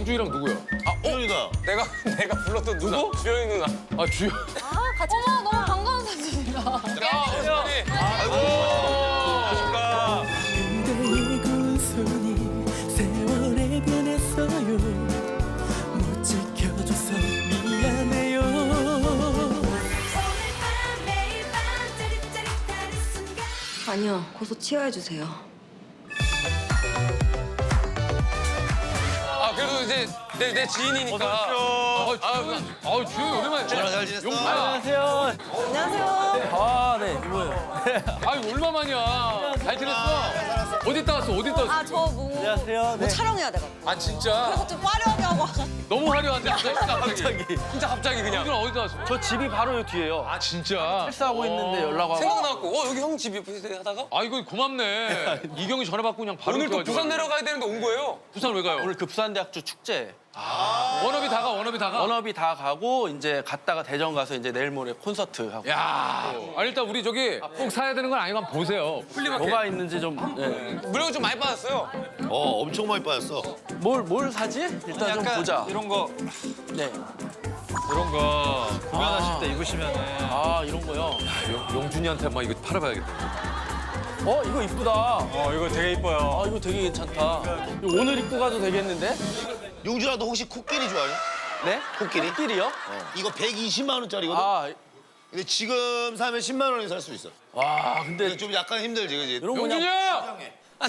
우주이랑 누구야? 주영이가. 내가 불렀던 누구? 주영이 누나. 아 주영. 같이 어머 너무 반가운 사진이다. 안녕하십니까. 그대의 고운 손이 세월에 변했어요. 못 지켜줘서 미안해요. 아니요, 고소 치워해주세요. 아 그래도 이제 내 지인이니까. 주영이 오랜만에. 전화 잘 지냈어? 용구야. 안녕하세요. 아, 네, 뭐예요? 아유 얼마만이야. 잘 지냈어? 어디 있다 왔어? 어디 있다 왔어? 아, 저 안녕하세요. 뭐 촬영해야 돼가지고. 아 진짜? 그래서 좀 화려하게 하고 와가지고. 너무 화려한데 갑자기. 진짜 갑자기 그냥. 오늘 어디 왔어? 저 집이 바로 여기 뒤에요. 아 진짜? 식사하고 있는데 연락 와서. 생각나고 여기 형 집이 하다가 아 이거 고맙네. 이경이 전화 받고 그냥 바로 오늘 또 이렇게 부산 와가지고. 내려가야 되는데 온 거예요. 부산 왜 가요? 오늘 그 부산대학교 축제. 워너비 다 가. 워너비 다 가. 워너비 다 가고 이제 갔다가 대전 가서 이제 내일 모레 콘서트 하고. 야. 아니 일단 우리 저기 꼭 사야 되는 건 아니고 한번 보세요. 뭐가 있는지 좀. 네. 물론 좀 많이 받았어요. 엄청 많이 빠졌어. 뭘 사지? 일단 좀 보자. 이런 거. 네. 이런 거. 공연하실 때 입으시면은. 아, 이런 거요. 용준이한테 한번 이거 팔아봐야겠다. 이거 이쁘다. 이거 되게 이뻐요. 아, 이거 되게 괜찮다. 이거 오늘 입고 가도 되겠는데? 용준아 너 혹시 코끼리 좋아해? 네? 코끼리? 코끼리요? 이거 120만 원짜리거든. 아, 근데 지금 사면 10만 원에 살 수 있어. 와, 근데 근데 좀 약간 힘들지, 그지? 이런 거 그냥 용준이야!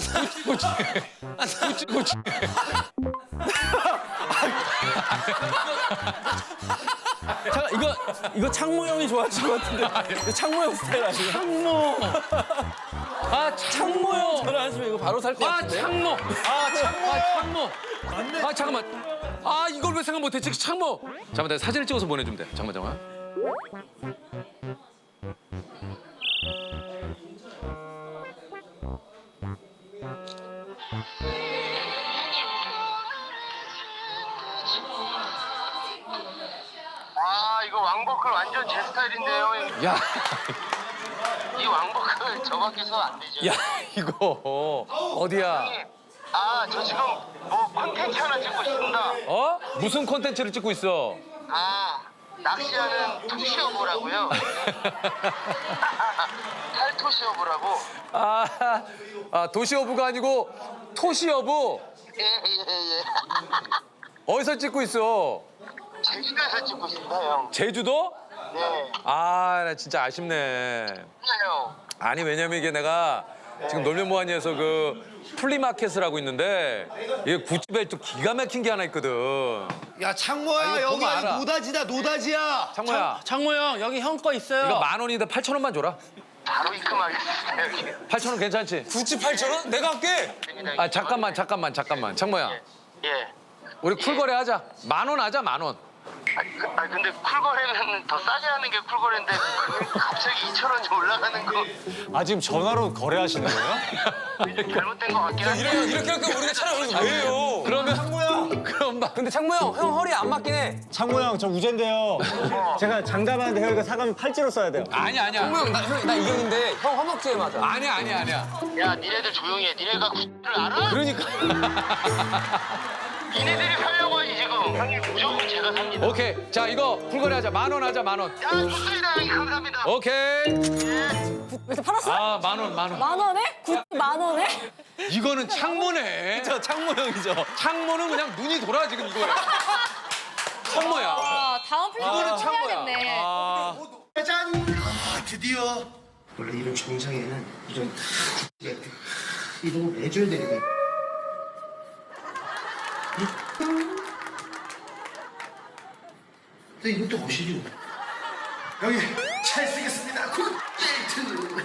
잠깐 이거 창모 형이 좋아하실 것 같은데. 이거 창모 형 스타일 아니에요? 창모. 창모 형 전화하시면 이거 바로 살 것 아 같은데. 창모. 창모. 아 잠깐만. 아 이걸 왜 생각 못했지? 창모. 잠깐만 내가 사진을 찍어서 보내주면 돼. 잠깐만. 아 이거 왕버클 완전 제 스타일인데요. 야, 이 왕버클 저 밖에서 안 되죠. 야 이거 어디야? 아 저 지금 뭐 콘텐츠 하나 찍고 있습니다. 어? 무슨 콘텐츠를 찍고 있어? 아 낚시하는 투시어부라고요. 탈토시어부라고. 도시어부가 아니고 토시어부. 예예예. 어디서 찍고 있어? 제주도에서 찍고 있습니다 형. 제주도? 네. 아, 나 진짜 아쉽네. 형. 아니 왜냐면 이게 내가 지금 놀면 뭐하니에서 그 플리마켓을 하고 있는데 이게 구찌 벨트 기가 막힌 게 하나 있거든. 야 창모야 이거 여기 보면 아니 알아. 노다지다 노다지야. 창모야, 창모 형 여기 형 거 있어요. 이거 10,000원인데 8,000원만 줘라. 바로 입금하겠습니다 여기. 8,000원 괜찮지? 98,000원? 내가 할게. 아 잠깐만. 창모야, 예. 우리 쿨거래 하자. 10,000원 하자 10,000원. 근데 쿨거래는 더 싸게 하는 게 쿨거래인데 갑자기 2,000원이 올라가는 거 아 지금 전화로 거래하시는 거예요? 잘못된 거 같긴 한데. 이렇게 우리가 촬영을 왜 해요? 그러면 그럼 막 근데 창모 형 허리 안 맞긴 해. 창모 형, 저 우젠데요. 제가 장담하는데 형 이거 사가면 팔찌로 써야 돼요. 아니야. 창모 형 나 이경인데 형 허벅지에 맞아. 아니야. 야 니네들 조용히 해. 니네가 구를 알아? 그러니까. 니네들이 살려고 하지 지금. 형님 무조건 제가 삽니다. 오케이. 자 이거 쿨거래 하자. 10,000원 하자 10,000원. 야 좋습니다 형님 감사합니다. 오케이. 그래서 팔았어? 아 10,000원. 10,000원에? 10,000원에? 이거는 창모네. 저 창모 형이죠. 창모는 그냥 눈이 돌아 지금 이거야. 창모야. 아, 다음 이거는 플랫폼 창모야. 해야겠네. 짜잔. 드디어. 원래 이런 정상에는 이런 벨트 이런 걸 해줘야 되거든. 근데 이것도 보시죠. 여기 잘 쓰겠습니다. 벨트.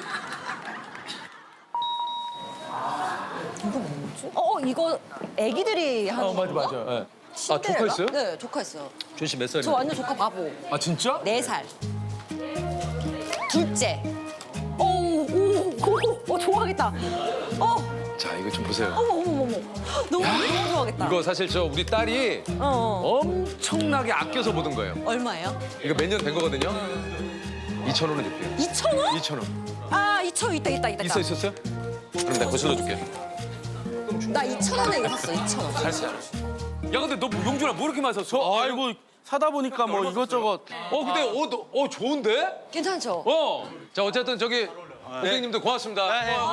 이거 애기들이 하는 거. 맞아. 예. 아 조카 있어요? 네, 조카 있어요. 준 씨 몇 살이에요? 저 완전 조카 바보. 아 진짜? 4살. 둘째. 좋아하겠다. 자 이거 좀 보세요. 어머. 너무 좋아하겠다. 이거 사실 저 우리 딸이 엄청나게 아껴서 보던 거예요. 얼마예요? 이거 몇 년 된 거거든요. 2,000원은 줄게요. 2,000원? 2,000원. 아, 2,000원 있다. 있었어요? 그럼 내가 거실러 줄게. 나 2,000원에 이거 샀어, 2,000원. 알았어요. 야 근데 너 용준아 뭐 이렇게 많이 샀어? 아이고 사다 보니까 뭐 이것저것. 근데 좋은데? 괜찮죠? 자 어쨌든 저기 고객님들 고맙습니다.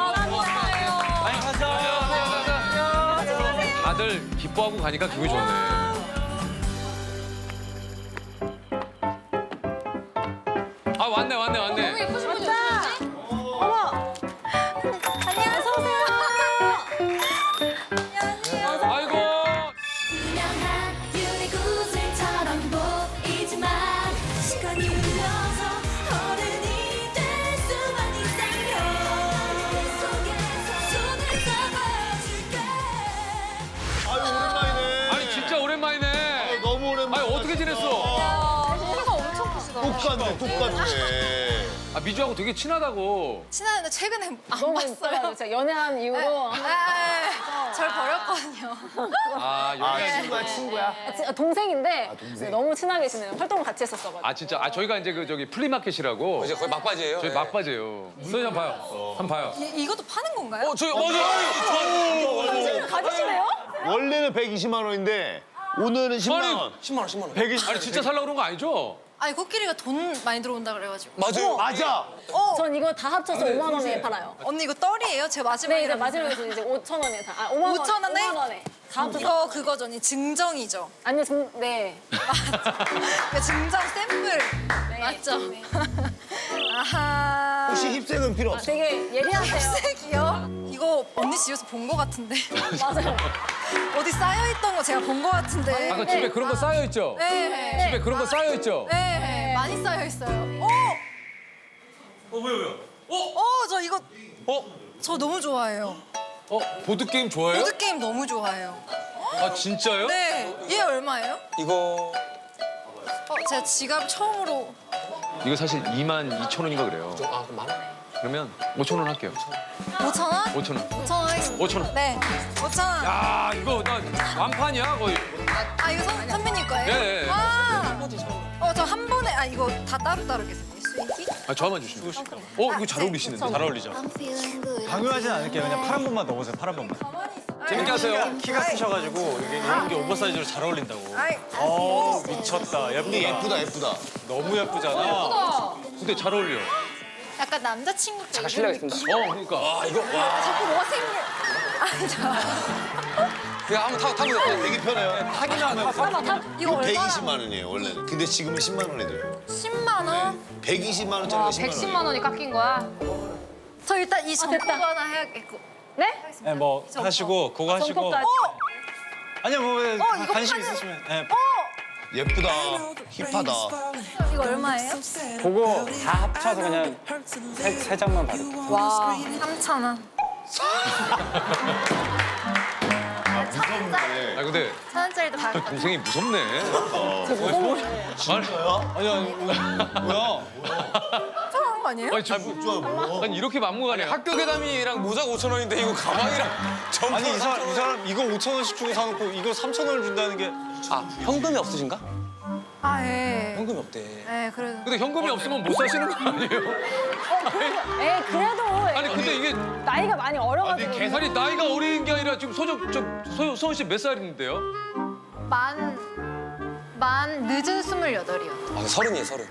다들 기뻐하고 가니까 기분이 좋네. 아 왔네. 너무 예쁘신 분이 어디 계시지? 어머. 안녕하세요. 아이고. 투명한 유리구슬처럼 보이지만 시간이 흘러서 어른이 될 수만 있다면 내 속에서 손을 잡아줄게. 아유 오랜만이네. 아니 진짜 오랜만이네. 너무 오랜만에. 아니 어떻게 지냈어? 키가 엄청 크시다. 똑같네. 아 미주하고 되게 친하다고. 친한데 최근에 안 너무 봤어요. 진짜 연애한 이후로 절 버렸거든요. 친구야. 동생인데 너무 친하게 지내요. 활동을 같이 했었어가지고. 아 진짜 저희가 이제 그 저기 플리마켓이라고 이제 거의 막바지예요. 저희 막바지예요. 선생님 한번 봐요. 한번 봐요. 이것도 파는 건가요? 저희 맞아. 가지시네요? 원래는 120만 원인데 오늘은 10만 원. 10만 원, 10만 원. 120. 아니 진짜 살려고 그런 거 아니죠? 아니 코끼리가 돈 많이 들어온다 그래가지고. 맞아요. 맞아. 전 이거 다 합쳐서 5만 원에 팔아요. 언니 이거 떨이에요? 제 마지막에. 네, 이제 마지막에 이제 5천 원에 다. 5만 원. 5천 원에? 5만 원에. 다 합쳐서. 이거 그거죠, 언니 증정이죠. 아니요, 네. 그 증정 샘플 맞죠? 아하. 혹시 힙색은 필요 없어? 되게 예리하세요. 색이요? 이거 언니 집에서 본 거 같은데. 맞아요. 어디 쌓여있던 거 제가 본 거 같은데. 아까 집에 그런 거 쌓여 있죠? 네. 집에 그런 거 쌓여 있죠? 네. 많이 쌓여있어요. 왜요? 저 이거. 저 너무 좋아해요. 보드 게임 좋아해요? 보드게임 너무 좋아해요. 아 진짜요? 네. 얘 얼마예요? 이거 제가 지갑 처음으로. 이거 사실 22,000원인가 그래요. 그럼 만 원. 그러면 5,000원 할게요. 5,000원? 5,000원. 5,000원 하겠습니다. 5,000원. 네. 5,000원. 야 이거 나 완판이야 거의. 아, 이거 선배님 거예요? 네. 저 한 번에, 이거 다 따로따로겠어요. 수익이? 저만 주시면 돼요. 이거 잘 어울리시는데. 잘 어울리죠. 강요하진 않을게요. 그냥 파란 번만 넣으세요. 파란 번만. 재밌게 하세요. 키가 크셔가지고 이게 이런 게 오버사이즈로 잘 어울린다고. 아이, 미쳤다. 예쁘다. 예쁘다. 너무 예쁘잖아. 근데 잘 어울려. 약간 남자친구 때. 잠깐 실례하겠습니다. 그러니까. 자꾸 뭐가 생겨. 그냥 한번 타보세요. 되게 편해요. 타기만 하면 이거 얼마나? 120만 원이에요 원래는. 근데 지금은 10만 원에 돼요. 10만 원? 120만 원짜리가 10만 원. 원이 깎인 거야? 저 일단 이 정보 됐다. 하나 해야겠고. 네? 네, 뭐 하시고 그거 하시고. 정보까지. 아니요 뭐 이거 관심 파는- 있으시면. 네. 예쁘다. 힙하다. 이거 얼마예요? 그거 다 합쳐서 그냥 세 장만 받을게요. 와, 3,000원. 무섭네. 아 근데 1,000원짜리도 다. 동생이 무섭네. 뭐야? 한 거 아니에요? 아니 이렇게 막무가내. 학교 괴담이랑 모자가 5,000원인데 이거 가방이랑 점프. 아니 이 사람 이거 5,000원씩 주고 사놓고 이거 3,000원을 준다는 게. 현금이 없으신가? 예. 현금이 없대. 네, 그래도. 근데 현금이 없으면 못 사시는 거 아니에요? 그래도 아니 근데 이게 나이가 많이 어려가지고. 아니 나이가 어린 게 아니라 지금 소은 씨 몇 살인데요? 만 늦은 28이요. 서른이에요, 서른.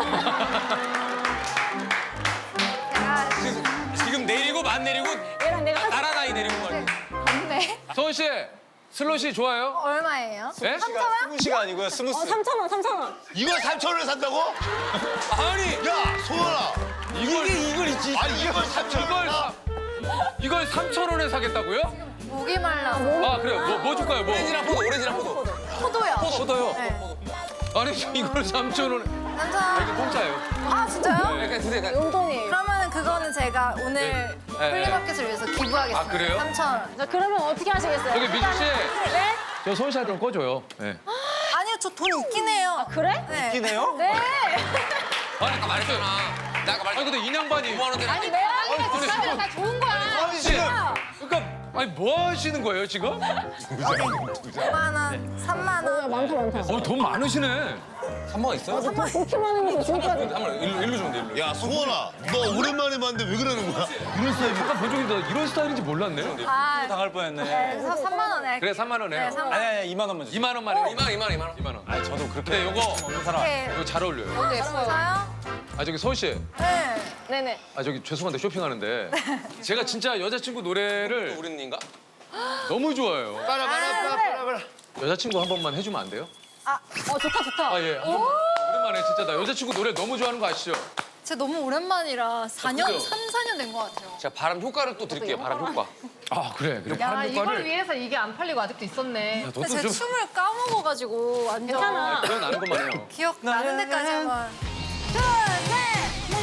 지금 내리고 만 내리고 얘랑 내가 나라 나이 내리고 말고. 네. 소은 씨 슬롯이 좋아요? 얼마예요? 예? 스무시가 아니고요 스무스. 3,000원, 3,000원. 이걸 3,000원에 산다고? 아니 야 소연아. 이걸 있지. 아니 이걸 3,000원에 이걸 3,000원에 사겠다고요? 목이 말라. 아 그래요. 뭐 줄까요? 뭐? 오렌지랑 포도. 포도요. 포도요. 네. 아니 이걸 3,000원에. 남자. 이거 공짜예요. 아, 진짜요? 약간 근데 약간 용돈이에요. 그러면 그거는 제가 오늘 네. 플리마켓을 위해서 기부하겠습니다. 아, 그래요? 3,000원. 자, 그러면 어떻게 하시겠어요? 저기 미주 씨, 네? 저 소은 씨한테 좀 꺼줘요. 네. 아니요, 저 돈 있긴 해요. 그래? 네. 있긴 해요? 네. 아니 아까 말했잖아. 나 아까 말했. 아니 근데 인양반이 5만 원대. 아니, 내가 하니까 다 좋은 거야. 아니 씨. 그러니까 아니 뭐 하시는 거예요 지금? 5만 원, 3만 원. 많다, 많다. 돈 많으시네. 3만 있어요? 그렇게 많은 거 진짜. 한번 일로 주면 돼, 일로. 야 소원아 너 오랜만에 봤는데 왜 그러는 거야? 이런 스타일 잠깐 본 적이 있는데 이런 스타일인지 몰랐네. 아, 당할 뻔했네. 그래서 3만 원에 네. 그래 3만 원 해요. 네, 3만 아니 2만 원만 주세요. 2만 원만 해요. 2만 원. 2만 원. 아니 저도 그렇게 근데 요거 없는 사람. 네. 잘 어울려요. 너무 예뻐요. 아 저기 서울 씨. 네. 네네. 아 저기 죄송한데 쇼핑하는데 제가 진짜 여자친구 노래를 우리님가? 너무 좋아해요. 빠라바라. 여자친구 한 번만 해주면 안 돼요? 좋다. 아 예. 한 번만. 오랜만에 진짜 나 여자친구 노래 너무 좋아하는 거 아시죠? 제가 너무 오랜만이라 4년, 그죠? 3, 4년 된 것 같아요. 제가 바람 효과를 또 드릴게요. 바람 효과. 아 그래. 야, 바람 이걸 효과를. 위해서 이게 안 팔리고 아직도 있었네. 너도 근데 제가 좀 춤을 까먹어가지고 완전 괜찮아. 기억 나는 것만 해요. 기억 나는 데까지 한번. 둘, 셋!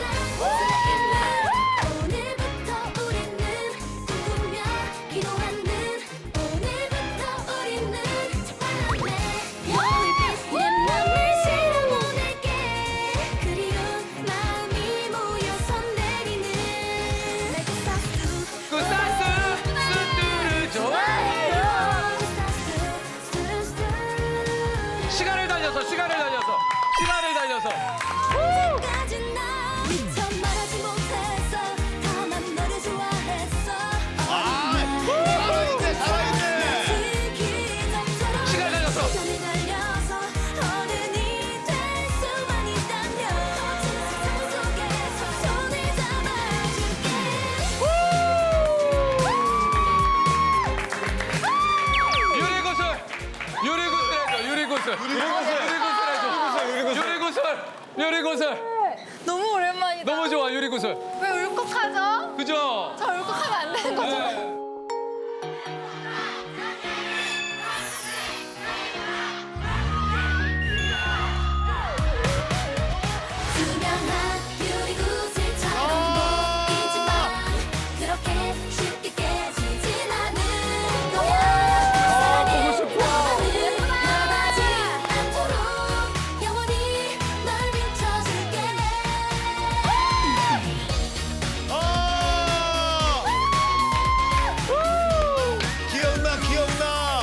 오늘부터 우리는 꿈꾸며 기도하는 오늘부터 우리는 바람에 별빛 내 맘을 실어보낼게 그리운 마음이 모여서 내리는 내게 싹둑 그 스트를 좋아해요. 시간을 달려서. 언제까지 나 미처 말하지 못했어 다만 너를 좋아했어 시간을 달려서. 시간을 달려서 어른이 될 수만 있다면 거친 세상 속에서 손을 잡아줄게 유리구슬. 너무 오랜만이다. 너무 좋아 유리구슬. 왜 울컥하죠? 그죠? 저 울컥하면 안 되는 거죠? 네. 투명한 유리구슬처럼 보이지만 그렇게 쉽게 깨지진 않은 거야 보고 싶어. 너를 변하지 않도록 영원히 널 비춰줄게 기억나.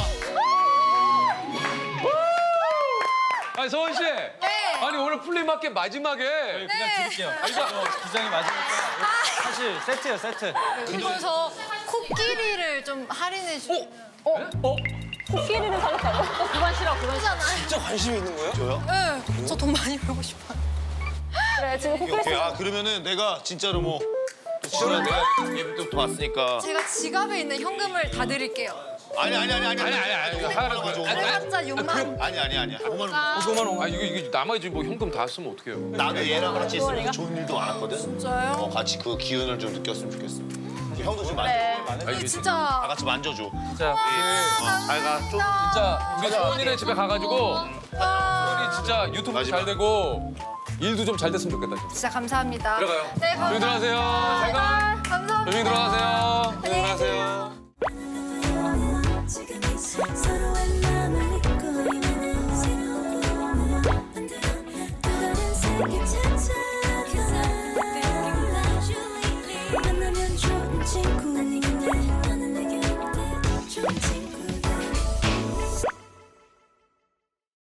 아니 서원 씨. 아니 오늘 플리마켓 마지막에 그냥 드릴게요. 기장이 맞으니까 사실 세트예요 세트. 이거 저 코끼리를 좀 할인해 주면. 코끼리를 사겠다고? 그만 싫어. 그잖아요. 진짜 관심이 있는 거예요? 네. 저 돈 많이 벌고 싶어요. 그래 지금 코끼리 오케이. 아 그러면은 내가 진짜로 뭐 지금 내가 예부터부터 왔으니까. 제가 지갑에 있는 현금을 다 드릴게요. 아니. 하나는 그래봤자 6만 원. 아니야. 5만 원. 5만 원. 아 이게 남아야지 뭐 현금 다 쓰면 어떡해요? 나도 얘랑 같이 있으면 좋은 일도 많았거든. 진짜요? 같이 그 기운을 좀 느꼈으면 좋겠어. 형도 좀 만져. 아, 이게 이게 진짜. 다 같이 만져줘. 진짜 잘 가. 좀. 진짜 우리 소원이네 집에 가가지고 소원이 진짜 유튜브 마지막. 잘 되고 일도 좀 잘 됐으면 좋겠다. 진짜. 진짜 감사합니다. 들어가요. 네, 감사합니다. 조용히 들어가세요. 잘 가. 감사합니다. 조용히 들어가세요. 조용히 들어가세요. 지금 이 서로의 마음을 믿고 있는 새로운 꿈을 만들어 또 다른 세계 찾아